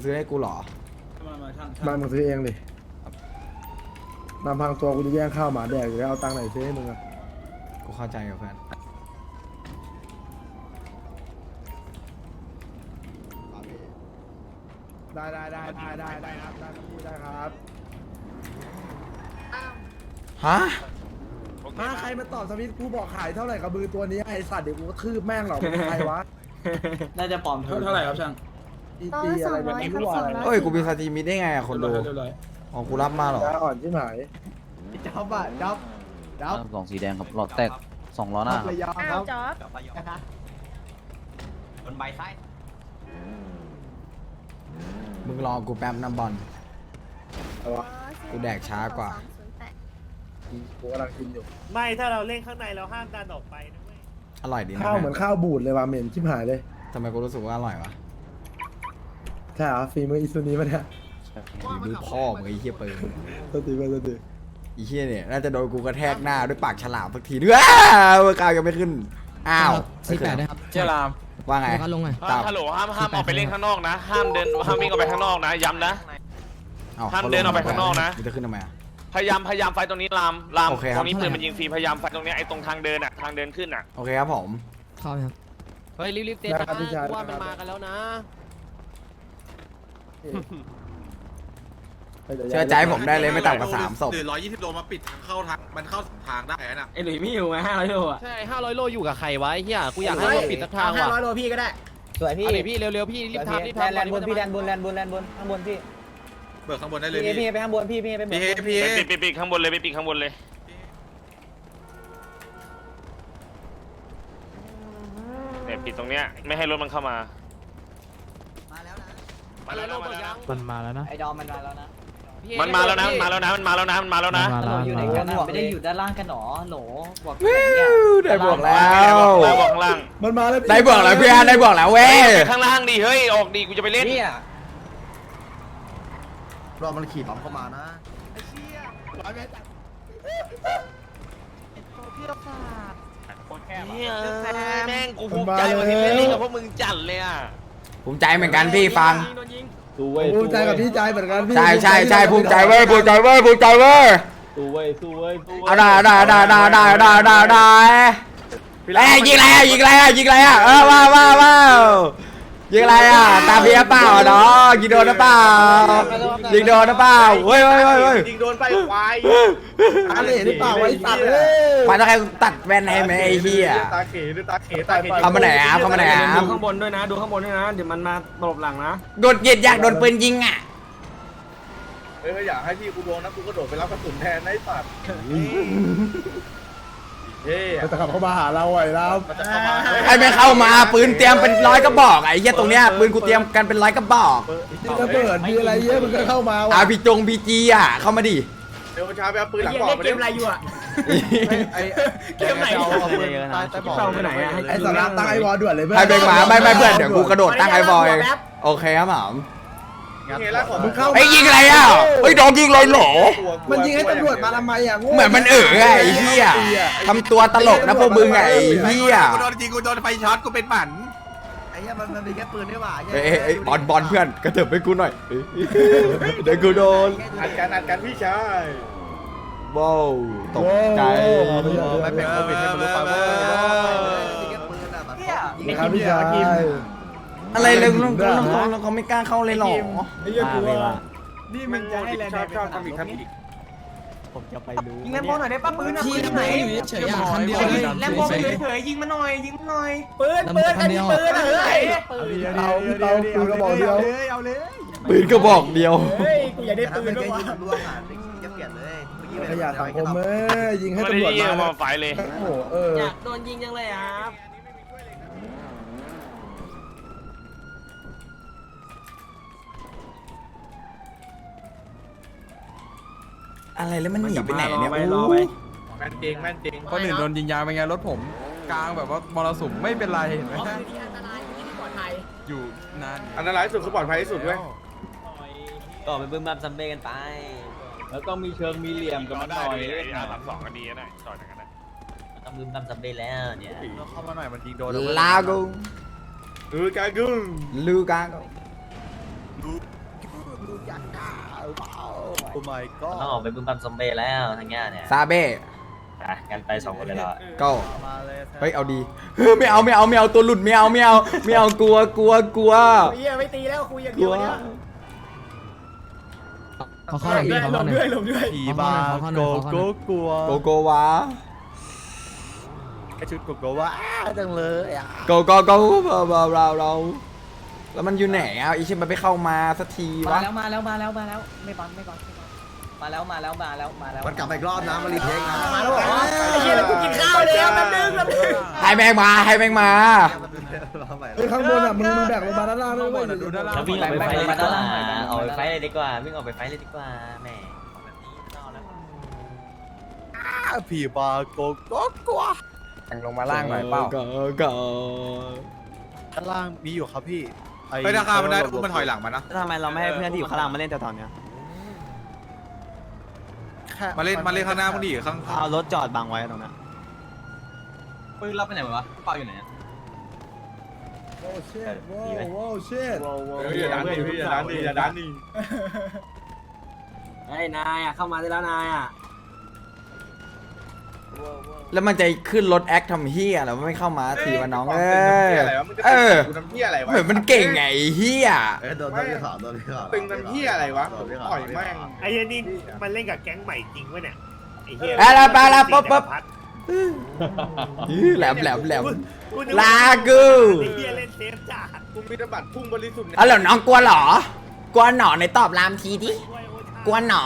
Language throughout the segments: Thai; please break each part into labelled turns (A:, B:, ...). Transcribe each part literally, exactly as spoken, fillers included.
A: ซื้อให้กูเหรอ
B: มามาช่าง
C: มามึงซื้อเองดินำพังตัวกูจะแย่งข้าวหมาแดกอยู่แล้วเอาตังค์ไหนซื้อให้มึงอะ
A: กูเข้าใจกับเพื่อน
C: ได้ได้ได้ได้ได้ได้ครับได้ครับพี่ได้ครับ
A: ฮะ
C: ถ้าใครมาตอบสวิตช์กูบอกขายเท่าไหร่กับมือตัวนี้ไอสัตว์เดี๋ยวกูก็ทืบแม่งหรอกเป็นใครวะ
B: น่าจะปลอมเท่าไหร่ครับช่าง
C: ตีตีอะไรแบบนี้รั่วอะไร
A: เอ้ยกูมีสตรีมมิได้ไงอะคนดู
B: เรียบร้อย
A: อ๋อกูรับมาเหรอ
C: ตาอ่อนชิบหาย
D: จ๊อบอะจ๊อบจ๊อบ
E: กล่องสีแดงครับหลอดแตกสองล้อหน้า
D: ระยองค
F: อ้า
D: รั
F: ว
D: บ
F: จ๊อบ
E: บนใบไส้
A: มึงรอกูแป๊บน้ำบอล
C: เอาวะ
A: กูแดกช้ากว่า
C: กูกำลังกินอยู่
G: ไม่ถ้าเราเล่นข้างในเราห้ามดันออกไปนะเว้ย
A: อร่อยดีนะ
C: ข้าวเหมือนข้าวบูดเลยว่ะเหม็นชิบหายเลย
A: ทำไมกูรู้สึกว่าอร่อยวะ
C: ใช่เหรอฝีมืออิซุนีปะเนี่ย
A: ฝีมือพ่อมึงไอ้เหี้ยเปิด
C: ตัวตีไปตัวตี
A: ไอ้เหี้ยเนี่ยน่าจะโดนกูกระแทกหน้าด้วยปากฉลามสักทีด้วยเมื่อก้าวยังไม่ขึ้นอ้าว
H: สี่แปดได้ครับ
B: เจ้าลาม
A: ว่าไง
H: ก็ลงหน่อย
A: ตาม
I: ฮัลโหลห้ามห้ามออกไปเล่นข้างนอกนะ ห้ามเดินห้ามวิ่งออกไปข้างนอกนะ ย้ำนะ
A: อ้
I: ห้ามเดินออกไปข้างนอกนะ
A: มึงจะขึ้นทำไมอะ
I: พยายามพยายามไฟตรงนี้ลามลาม
A: โอเคครับ
I: ตรงนี้ปืนมันยิงฟรีพยายามไฟตรงเนี้ยไอ้ตรงทางเดินอะทางเดินขึ้นอะ
A: โอเคครับผม
H: เข้าไหมครับ
D: เฮ้ยรีบๆเตะ
C: ได้ครับพี่ชาย
D: ว่ามันมากันแล้วนะ
A: เชื่อใจผมได้เลยไม่ต่ำกว่าสามศพ
J: หรือร้อยยี่สิบโลมาปิดทางเข้าทางมันเข้าทางได้น่ะ
B: ไอ้หลุยไม่อยู่ไงห้าร้อยโลอ่ะ
D: ใช่ห้าร้อยโลอยู่กับใครวะไอ้เฮียกูอยากให้มันปิดสักทางว่ะ
B: ห้าร้อยโลพี่ก็ได้
D: สวยพี่เดี๋ยวพี่เร็วๆพี่รีบทำรีบทำแลนบนพี่แลนบนแลนบนแลนบนข้างบนพี่
J: เบิกข้างบนได้เลย
D: พี่
J: พี่
D: พี่ไปข้างบนพี่พี่ไป
J: พี่เฮพี่เฮ
I: ไปปิดปิดปิดข้างบนเลยไปปิดข้างบนเลยเนี่ยปิดตรงเนี้ยไม่ให้รถมันเข้ามา
D: มาแล้วนะ
I: มาแล้วนะมาแล้วนะ
H: มันมาแล้วนะ
D: ไอ้ดอมมันมาแล้วนะ
I: มันมาแล้วนะมันมาแล้วนะมันมาแล้วนะมันมาแล้วนะ
H: มาแล้ว
D: อยู่ไหน
H: มา
D: กั
H: แล้
D: น
H: ว
D: ไม่ได้อยู่ด้านล่างกันหรอโหลบอก
A: ได้บวกแล้ว
I: ได้บอกข้างล่าง
C: มันมาแล้ว
A: ได้บวกแล้วเพื่อนได้บวกแล้วเว้ย
I: ไปข้างล่างดิเฮ้ยออกดิกูจะไปเล่น
D: เนี่ย
E: รอมันขี่ล้อมเข้ามานะ
I: เนี่ยแม่งกูภูมิใจว่าที่เล่นกับพวกมึงจัดเลยอ่ะ
A: ภูมิใจเหมือนกันพี่ฟัง
C: ภูมิใจกับพี่ใจเหมือนกันพี่
A: ใช่ใช่ใช่ภูมิใจเว้ยภูมิใจเว้ยภูมิใจเว้ยเอาได้ได้ได้ได้ได้ได้ได้ได้เอ้ยยิงอะไรอ่ะยิงอะไรอ่ะยิงอะไรอ่ะเออว้าวว้าวว้าวยิงอะไรอ่ะตาเบียเปล่าเนาะยิงโดนหรือเปล่ายิงโดนหรือเปล่าเฮ้ยเฮ้ยเฮ้ยเฮ้ย
J: ยิงโดนไปควาย
C: อะไรหรือเปล่าวะไอ้สัตว์เอ้ย
A: มาต้องให้ตัดแว่นให้ไหมไอ้เหี้ย
J: ตาเขดูตาเขตาเข
A: เข้ามาไหนอ่ะเข้ามาไหนอ่ะ
B: ดูข้างบนด้วยนะดูข้างบนด้วยนะเดี๋ยวมันมาตบหลังนะ
A: โดนเย็ดอยากโดนปืนยิงอ่ะ
J: เฮ้ยอยากให้พี่กูโดนนะกูกระโดดไปรับกระสุนแทนไอ้สัตว์เฮ้
C: มันจะขับเข้ามาหาเราไอ้เรา
J: มันจะเข้ามา
A: ใครไม่เข้ามาปืนเตรียมเป็นร้อยกระบอกไอ้เหี้ยตรงเนี้ยปืนกูเตรียมกันเป็นร้อยกระบอก
C: มีระเบิดมีอะไรเยอะมึงก็เข้ามา
A: อา
C: ว่ะ
A: พีจงพีจีอ่ะเข้ามาดิ
J: เดี๋ยวช้าไปเอาปืนหลัง
B: เก
J: บอก
B: ม
J: ไป
B: เกมอะไรอยู่อ่ะ
J: ไอ้
B: เกมไหน
J: เอาปืนใต้ใต้บอก
B: เข้าไปไหนอ่ะ
C: ไอ้สาระตั้งไอ้วอลด่วนเลยเพื่อน
A: ให้เบงหมาไม่ไม่เพื่อนเดี๋ยวกูกระโดดตั้งไอ้บอยโอเคครับหมอม
J: เฮล่าของ
C: มึงเข้า
A: ไอ้ยิงอะไรอ่ะไอ้โดนยิงเลยเหรอ
C: มันยิงให้ตำรวจมาทำไมอ่ะโง่
A: เหมือนมันเอ๋อไงไอ้เหี้ยทำตัวตลกนะพวกมึงไงไอ้เหี้ย
J: กูโดนจริงกูโดนไฟช็อตกูเป็นหมัน
E: ไอ้เหี้ยมันมันมีแค่ปืนด้วยว่ะ
A: เอ้ยเอ้ยบอลบอลเพื่อนกระเถิบไปกูหน่อยเดี๋ยวกูโดน
J: อัดกันอัดกันพี่ชาย
A: ว้าวตกใจ
E: ไม่เป็นโควิดให้มันรู้ไปว่ามีแค่ปืนอะแบบ
C: ครับพี่ชาย
A: อะไรเลยลุงลุงลุงลุงเขาไม่กล้าเข้าเลยหรอ
C: ไอ้เหี้ยกูว่า
B: นี่มันจะให้แลนด์
J: ชอบชอบทำอีกทำอีก
H: ผมจะไปรู้
B: ยิงแลนด์บอลหน่อยได้ป่ะปืนอ่ะปืนไหน
H: เฉยๆคันเดียว
B: แลนด์บอลเฉยๆยิงมาหน่อยยิงมาหน่อยปืนปืนอันนี้ปืนเฮ้ย
C: เอาพี่เตาปืนกระบอกเดียว
B: เอาเลย
A: ปืนกระบอกเดียว
B: เฮ้ยกูอยากได้
E: ถ้า
B: ปื
E: เป็น น
B: ด้ว
E: แค่
B: ย
E: ยิงล่วงอ่ะจะเปลี่ยนเลยเมื่อกี้
C: ขยะสังคมเอ้ยยิงให้
I: ไม่
C: ตำรวจ
I: ได้ยิง
C: มา
I: มา
C: นะ
I: ไฟเลย
C: โอ้โหเออ
B: อยากโดนยิงจังเลยครับ
A: อะไรแล้วมันหนีไปไหนเนี่ย
B: รอ
A: โอ้
B: รอไป
J: แม่นจริงแม่นจริง
B: คนอื่นโดนยิงยางเป็นไงรถผมกลางแบบว่ามรสุมไม่เป็นไรเห็นไหมอยู่นาน
J: อันตรายที่สุดคือปลอดภัยที่สุดเว้ย
D: ต่อไปบึ้มบัมซัมเบ้กันไป
B: แล้วต้องมีเชิงมีเหลี่ยมกับมันหน่อย
I: อาสามสองก็ดีนะต่อจากกันนะ
D: ต้องบึ้มบัมซัมเบ้แล้วเนี่ย
B: เข้ามาหน่อยมันยิงโดน
A: ลากู
J: เออกากุง
A: ลูกากู
E: โอ้ my god
I: ต้องออกไปบึ้มบัมซอมเบ้แล้วทางเงี้ยเนี่ย
A: ซาเบ้
I: อ่ะกันไปสองคนเลยเหรอ
A: ก็
E: มาเลย
A: เฮ้ยเอาดีเฮ้ยไม่เอาไม่เอาไม่เอาตัวหลุดไม่เอาไม่เอาไม่เอากลัวกลัวกลัว
D: เฮียไม่ตีแล้วคุยอย่าง
A: ก
D: เดี
A: ลั
D: ยว
A: ว
D: เนี่ย
H: ขอข้อหน่อยพี่ขอข้อหน่อย
E: ผีบาโกโก้กลัว
A: โกโกวะ
E: ไอชุดโกโก้ว่าจังเลยอ่ะ
A: โกโกโกเราเราเราเราแล้วมันอยู่ไหนอ่ะอีชิมันไม่เข้ามาสักที
D: มาว
A: ะ
D: แล้วมาแล้วมาแล้วมาแล้วไม่บังไม่บังไม่บังมาแล้วมาแล้วมาแล้วมาแล้ว
C: มันกลับมาอีกรอบนะมารีเทคนะ
D: มาแล้วเหรอไอ้เหี้ยแล้วกูกินข้าวแล้วแป๊บนึงแป๊บนึง
A: ให้แม่งมาให้แม่งมา
C: เฮ้ยข้างบนอ่ะมึงมึงแบกลงมาด้านล่างด้วยเว้ย
B: ดูด้านล่าง
I: แล้ววิ่งออกไปไฟเลยดีกว่าออกไปไฟเลยดีกว่าวิ่งออกไปไฟเลยดีกว่าแหมแบบนี้ไม่เอาแล้ว
E: ผีบาโกโก้กลัว
B: ลงมาล่างหน่อยเปล่า
A: โกโก
E: ด้านล่างมีอยู่ครับพี่
B: เฮ้ยราคามันได้อุ้มมันถอยหลังมานะ
H: ทำไมเราไม่ให้เพื่อนที่อยู่ข้างล่างมาเล่นแต่ตอนเนี้ย
B: มาเล่นมาเล่นข้างหน้ามึงดิข้าง
H: เอารถจอดบังไว้ตรงนั้น
I: ปืนรับไปไหนวะเปล่าอยู่ไหน
C: โอ้เชิดโว้โว้เชิด
J: อย่าดันดิพี่อย่าดันดิอย่าดันดิ
D: ไอ้นายอ่ะเข้ามาได้แล้วนายอ่ะ
A: แล้วมันจะขึ้นรถแอคทำเฮียแล้วไม่เข้ามาทีวะน้องเออ
J: อะไรวะมึงจะ
A: เออ
J: กูทำเหี้ยอะไรวะ
A: เหมือนมันเก่งไงเฮีย
C: เอ้ยโดนโดนที่ขาโดนที่ขา
J: ตึงทำเหี้ยอะไรวะต่อยแม่ง
G: ไอ้เหี้ยนี่มันเล่นกับแก๊งใหม่จริงวะเนี่ยไอ้เหี้ย
A: ไปละไปละปุ๊บปุ๊บแหลมแหลมแหลมลากู
G: ไอ้เหี้ยเล่นเซฟจัด
J: กูมีธบัตรพุ่งบริสุทธิ์เนี่ย
A: เอาแล้วน้องกลัวเหรอกลัวหนอในตอบรามทีดิกลัวหนอก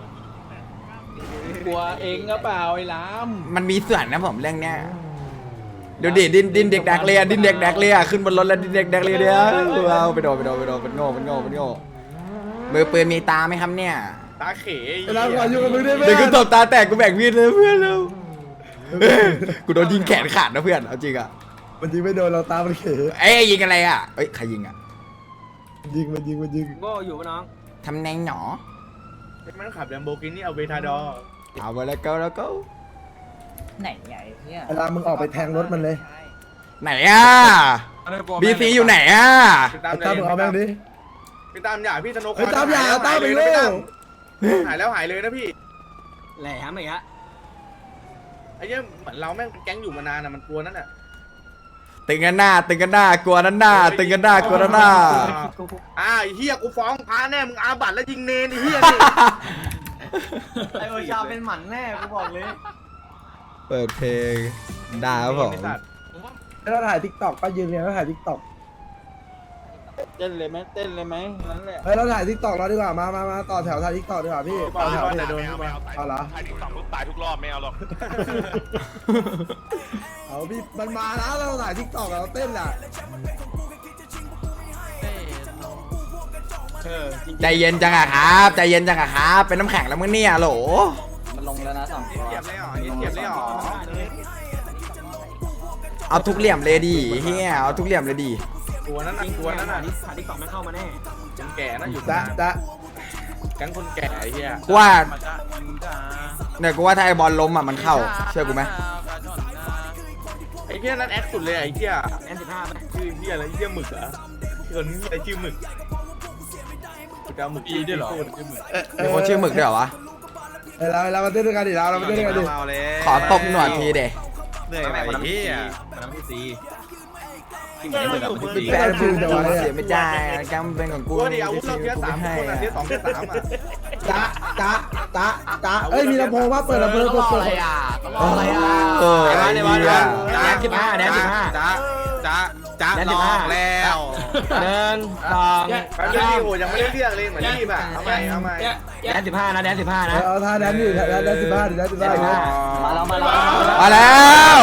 D: ลัวเองก็เปล่าไอ้ล้าม
A: มันมีส่วนนะผมเรื่องเนี้ยเดี๋ยวดิดินดินเด็กแดกเลียดินเด็กแดกเลียขึ้นบนรถแล้วดินเด็กแดกเลียเดียวเอาไปโดนไปโดนไปโดนเป็นโง่เป็นโง่เป็นโง่มือปืนมีตาไหมครับเนี่ย
J: ตาเขย
C: เวลาก่อนอยู่กับมึงได้ไหม
A: เดี๋ยวกูตบตาแตกกูแบ่งมีดเลยเพื่อนแล้วกูโดนยิงแขนขาดนะเพื่อนเอาจริงอ่ะ
C: มันยิงไม่โดนเราตามันเขย
A: เอ้ยยิงอะไรอ่ะเอ้ยใครยิงอ่ะ
C: ยิงมันยิงมันยิง
D: โง่อยู่ปะน้อง
A: ทำแนงหนอ
J: มันขับแลมโบกินี่เอาเวทาดอร์
A: เอาไปแล้วก็แล้วก็
D: ไหนใหญ่เนี่ย
C: เวลามึงออกไปแทงรถมันเลย
A: ไหนอ่ะบีซีอยู่ไหนอ่ะ
J: ตา
C: ไอ้ตามมึงเอาแม่งดิ
J: พี่ตามอย่าพี่ธนก
C: ไอ้ตามอย่าตามไปเร็ว
J: หายแล้วหายเลยนะพี่
D: แหลมอีกฮะ
J: ไอ้เนี้ยเหมือนเราแม่งแก๊งอยู่มานานอะมันกลัวนั่นอะ
A: ตึงกันหน้าตึงกันหน้ากลัวด้านหน้าตึงกันหน้ากลัวด้านหน้า
J: อ่าไอ้เฮียกูฟ้องพาแน่มึงอาบัตแล้วยิงเนนไอ้เฮียนี่
H: ไอโอชาเป็นหมันแน่กูบอกเลย
A: เปิดเพลงด่าครับผม
C: แล้วเราถ่ายทิกตอกก็ยืนเนี่ยเราถ่ายทิกตอก
D: เต้นเลยไหมเต้นเลยไหมนั่นแหละ
C: เฮ้ยเราถ่ายทิกตอกเราดีกว่ามามามาต่อแถวถ่ายทิกตอกดีกว่าพี่ต่อแถวพี่เอาเหรอ
J: ถ่ายติ๊กต็อกมึงตายทุกรอบไม่เอาหรอก
C: เอาพี่มันมาแล้วเราถ่ายทิกตอกเราเต้นแหละ
A: ใจเย็นจังอะครับใจเย็นจังอะครับเป็นน้ำแข็งแล้วมึงเนี่ยโหล
D: มันลงแล้วนะสองตัว
J: เทียบเลยเหรอเทียบเลยเหรอ
A: เอาทุกเหลี่ยมเลยดิเฮียเอาทุกเหลี่ยมเลยดิ
J: กลัวนั่นน่ะกลัวนั่นน่ะ
D: หาที่สองไม่เข้ามาแน่
J: คนแก่น่ะอยู่
C: จ๊ะจ๊ะ
J: แก๊งคนแก่ไอ้เฮีย
A: กูว่าเนี่ยกูว่าถ้าไอบอลล้มอ่ะมันเข้าเชื่อกูไหม
J: ไอ้เฮียนั่นแอคสุดเลยไอ้เฮีย
D: แอนสิบห้าไหม
J: ชื่อเฮียอะไรเฮียหมึกเหรอคนนี้อะไรชื่อหมึกกูจะเอาหมึกอีด้วยเหรอชื่อหมึก
A: มีคนชื่อหมึกด้วยเหรอวะ
C: เฮ้ยเราเรามาเต้นด้วยกันดิเราเรามาเต้นด้วยกันดิ
A: ขอตบหนวดทีเด
B: เหนื่อยไปเฮีย
A: แฟนมึงโดนเสียไม่ได้กรรมเป็นของกู
J: กูดิอาวุธเราเทียสาม
A: ให้
J: คนอ่ะเทียสองเทียสามอ่ะ
C: จ๊ะจ๊ะจ๊ะจ๊ะเอ้ยมีลำโพงว่าเปิดลำโพงเปิดเปิด
A: อะไรอ่ะเออไอ้เหี้ย
B: แดนสิบห้าแดนสิบห้าจ้าจ้าจ้าลองแล้ว
H: เดินสอง
J: แป๊บนึงดิโหยังไม่ได้เรียกเลยเหมือนรีบอ่ะเอาใหม่เอาใหม่
H: แดนสิบห้านะแดนสิบห้านะ
C: เอาท่าแดนอยู่แดนแดนสิบห้าดิแดนสิบห้าดิ
D: มาแล้วมาแล้ว
A: มาแล้ว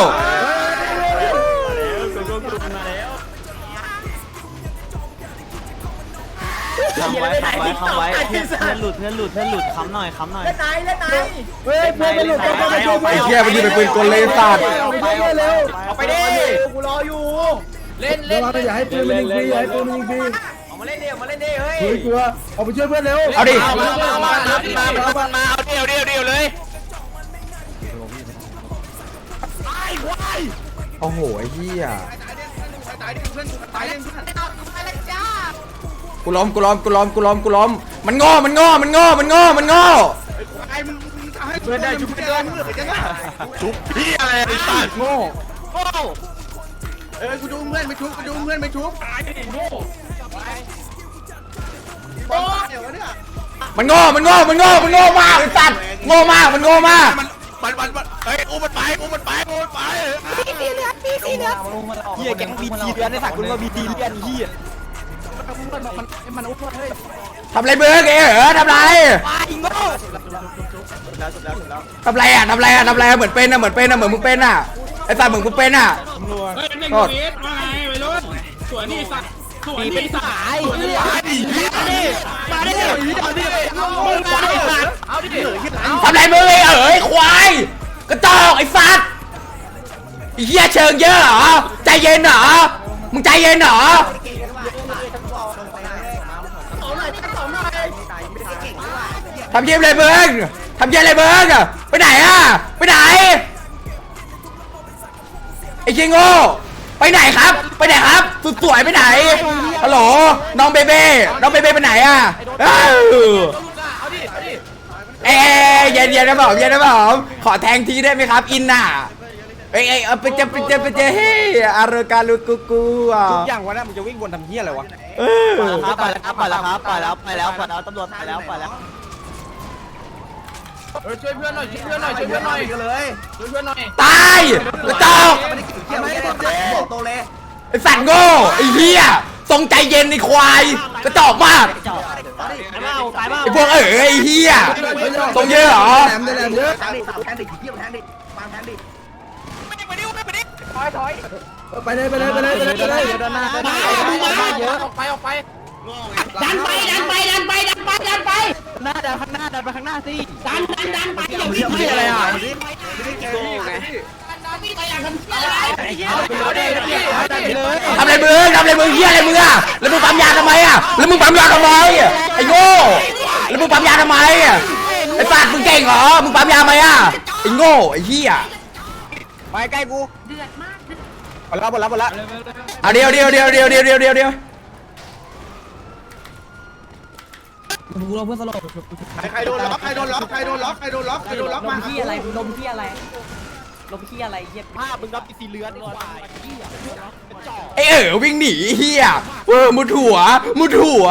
H: ค้ำไว้ค้ำไว้ค้ำไว้เพื่อนเพื่อนหลุดเพื่อนหลุดเพื่อนหลุดค้ำหน่อยค้ำหน่อย
C: เฮ้ยเพื่อนมันหลุดกันไปช่วยเพื่อน
A: ไอ้เหี้ยมันยิงเป็นปืนกลเลยสัตว์
C: ไปช่วยเร็ว
H: เอาไปดิกูรออยู่ เล่น
C: เดี๋ย
H: เล่
C: วน เราอย่าให้ปืนมันยิงฟรีอย่าให้ปืนมันยิงฟรี
H: เอามาเล่นดิเอามาเล่นดิเฮ้ย
C: เฮ้ยกลัวเอาไปช่วยเพื่อนเร็ว
A: เอาดิ
H: มามามามามา
I: มาเอาเดียวเดียวเดียวเลย
A: โอ้โหไอ้เหี้ย
J: ตายดิเพื่อนตายดิเพื่อน
A: กูล้มกูล้มกูล้มกูล้มกูล้มมันโง่มันโง่มันโง่มันโง่มันโง่
E: เพื่อนได้ชุบเพื่อนชุบพี่อะไรไอ้สัตว์โง่โง่เออกูดูเพื่อนไม่ชุบกูดูเพื่อนไม่ชุบตายดิโง่โง่เดี๋ยวเนี่ย
A: มันโง่มันโง่มันโง่มันโง่มากไอ้สัตว์โง่มากมันโง่มาก
E: มันมันมันมันเฮ้ยอุ้มมันไปอุ้มมันไปอุ้มมันไป
D: เฮียแก๊งบีทีเดือนในสักคุณว่าบีทีเดือนเฮีย
A: ทำไรเบิร์กเอ๋เหรอทำไร
D: ไอ้โง่
A: ทำไรอ่ะทำไรอ่ะทำไรอ่ะเหมือนเป็นอ่ะเหมือนเป็นอ่ะเหมือนมึงเป็นอ่ะไอ้สัตว์เหมือนมึงเป็นอ่ะโทษ
D: ตีเป็นสายเฮีย
E: มาดิมาดิมาดิมาดิเอาดิ
A: ทำไรมึงไอ้เอ๋ยควายกระจอกไอ้สัตว์ไอ้เหี้ยเชิงเยอะเหรอใจเย็นเหรอมึงใจเย็นเหรอทำเยี่ยมเลยเบิร์กทำเยี่ยมเลยเบิร์กไปไหนอ่ะไปไหนไอ้เจงโง่ไปไหนครับไปไหนครับสุดสวยไปไหนฮัลโหลน้องเบเบ้น้องเบเบ้ไปไหนอ่ะเอ้าเอ้ยเย็นเย็นนะผมเย็นนะผมขอแทงทีได้ไหมครับอินน่ะเอ้ยเอ้ยเอาไปเจอไปเจอไปเจอเฮ้ยอารกาลูกูกูอ่ะ
D: ทุกอย่างวันนั้นมึงจะวิ่งวนทำเฮียอะไรวะ
A: เออ
H: ไปแล้วครับไปแล้วครับไปแล้วไปแล้วไปแล้วตำรวจไปแล้วไปแล้ว
E: ช่วยเพื่อนหน่อยช่วยเพื่อนหน่อยช่วยเพื่อนหน่อยเลยช่วยเพื่อนหน่อย
A: ตายกระจอก
E: บอกโตเลย
A: ไอ้สัตว์โง่ไอ้เหี้ยทรงใจเย็นไอ้ควายกระจอกมาก
H: ตายเปล่าตายเปล่า
A: ไอ้พวกเอ๋ยไอ้เหี้ยทรงเยอะเหรอ
C: แหลมแหลมเยอะ
E: แทงดิแทงดิขี้เกียจแทงดิวางแทงดิไม่ได้ไปดิไม่ไปดิถอยถอย
C: ไปเลยไปเลยไปเลยไปเลยไปเลย
D: ด้านหน้าเยอะ
E: ออกไปออกไป
F: ดันไปดันไปดันไปดันไปดันไป
D: หน้าดันข้างหน้าดันไปข้างหน้าสิ
F: ดันดันดันไปอย่า
E: เรื่องอะไรอ่ะ
F: วิ่งไปอย่างทำเชี่ยอะไร
E: เอาดิเอาดิ
D: เลย
A: ทำอะไรมึงทำอะไรมึงเหี้ยอะไรมึงอะแล้วมึงปั๊มยาทำไมอะแล้วมึงปั๊มยาทำไมไอ้โง่แล้วมึงปั๊มยาทำไมไอ้สัตว์มึงเก่งเหรอมึงปั๊มยาไหมอะไอ้โง่ไอ้เหี้ย
D: ไปใกล้กู
F: เดือดมาก
D: หมดแล้วหมดแล้วหมดแล้ว
A: เอาเดียวเดียวเดียวเดียวเดียวเดียวเดียวเดียว
E: ใครโดนล็อกใครโดนล็อกใครโดนล็อกใครโดนล็อกใครโดนล็อกมา
H: ที่อะไรลมที่อะไรลมที่อะไรเย็บ
D: ภาพมึงรับสีเลือนควาย
A: ไอ้เอ๋อวิ่งหนีเหี้ยเออมุดหัวมุดหัว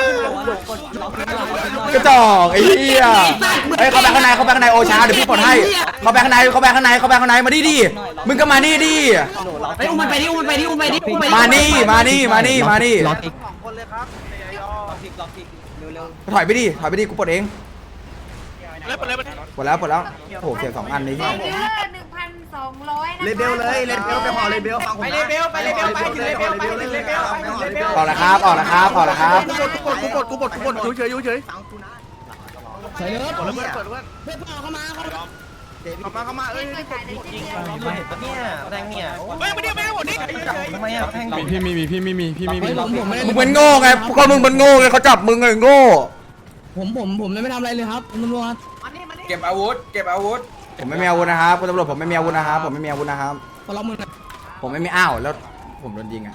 A: กระจอกไอ้เหี้ยเฮ้ยเข้าไปข้างในเข้าไปข้างในโอชาเดี๋ยวพี่ปลดให้เข้าไปข้างในเข้าไปข้างในเข้าไปข้างในมาดิดิมึงก็มานี่ดิ
F: ไปอุ้มมันไปดิอุ้มมันไปดิอุ้มไปดิอุ้มไป
A: มานี่มานี่มานี่มานี่
H: ล็อกอีกล็อกอีกเร็ว
A: ถอยไปดิถอยไปดิกูปลดเอง
E: เลยไปเลยไป
A: ปลดแล้วปลดแล้วโอ้โหเสียสองอันเลยเหี้ย
F: เดือดหนึ่งพันสองร้อยนะ
E: เลเบลเลยเลเบลไปห่อเลเบลฟังผมไปเลเบลไปเลเบลไปถึงเลเบลไปถึงเลเบลไปถึงเลเบล
A: ออกแล้วครับออกแล้วครับออกแล้วครับ
E: กูกดกูกดกูกดกูกดเฉยเฉยเฉยเปิดแล้วเปิดเปิดเปิด
F: เพื่อนพ่อเข้ามาเขา
E: เข้ามาเข้ามาเอ้ย
F: ขายได้จริง
H: เนี่ยแทงเนี่ย
E: เฮ้ยมาดิมาดิหมดดิ
H: ทำไมอ่ะแทง
B: พี่มีมีพี่ไม่มีพี่ไม่มี
A: มึงเป็นโง่ไงก็มึงเป็นโง่ไงเขาจับมึงไงโง่
F: ผมผมผมไม่ทำอะไรเลยครับตำรวจ
B: เก็บอาวุธเก็บอาวุธ
A: ผมไม่มีอาวุธนะครับคุณตำรวจผมไม่มีอาวุธนะครับผมไม่มีอาวุธนะครับ
F: มาล็อกมือหน่อย
A: ผมไม่มีอ้าวแล้วผมโดนยิงอะ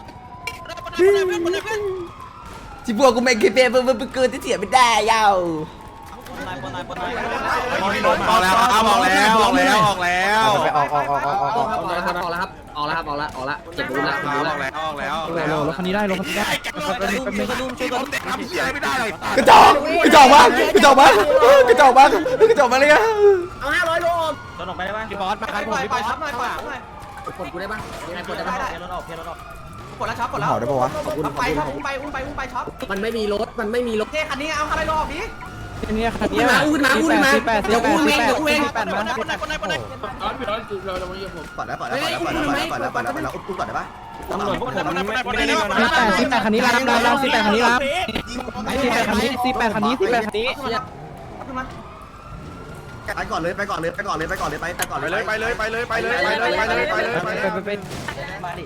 A: ที่พวกกูไม่เคยเป็นเพื่อนเกินที่เสียไม่ได้ยาว
B: ออกแล้วครับออกแล้วออกแล้วออกแล้ว
A: ไปออกออกออกออกออกออก
F: ออกแล้วครับออกแล้วครับออกแล้วครับออกแล้วออกแล้วเจ็บ
B: อ
F: รู้แล้ว
B: อกแล้วออกแล้วออกแล้ว
D: รถคันนี้ได้รถคันนี้ได้
B: แต่ทำเสียอะไรไม่ได้เลย
A: กระจอกกระจอกมากกระจอกมากกระจอกมากกระจอกมากเลยอะ
F: เอาห้าร้อยโล
H: โดนออกไปได้ป่ะ
D: พี่บอสมาใครผมพี่บอส
F: กดกูได้ปะยังไงกดได้ปะ
H: เพียรถออกเพียรถออก
I: กดแล้วช็อปกดแล้ว
A: เผาได้ปะวะ
I: ไปครับอุ้มไปอุ้มไปอุ้มไปช็อป
F: มันไม่มีรถมันไม่มีรถ
I: เท่คันนี้เอาคันอะไรรอออกดิ
D: เนี่ยคันนี้
F: อุ้มมาอุ้มมาอุ้มมาเดี๋ยวกูเองเดี๋ยวกูเอง
D: แปดมา
E: คนไหนคนไหนคนไหน
J: ปล่อยแล้วปล่อยแล้วปล่อยแล้วปล่อยแล้วปล่อยแล้วปล่อยแล้วปล่อยแล้วอุ้มก่อนได้ปะ
D: ตำรวจพวกผมไม่ได้สิบแปดสิบแปดคันนี้รับรับรับสิบแปดคันนี้รับสิบแปดคันนี้สิบแปดคันนี้สิบแปดคันนี้
J: ไปก่อนเลยไปก่อนเลยไปก่อนเลยไปก่อนเลยไปไปก่อน
B: ไป
J: เลย
B: เลยไปเลยไปเลยไปเลยไปเลยไปเลยไปเลยไปเลย
D: ไปไป
H: มาดิ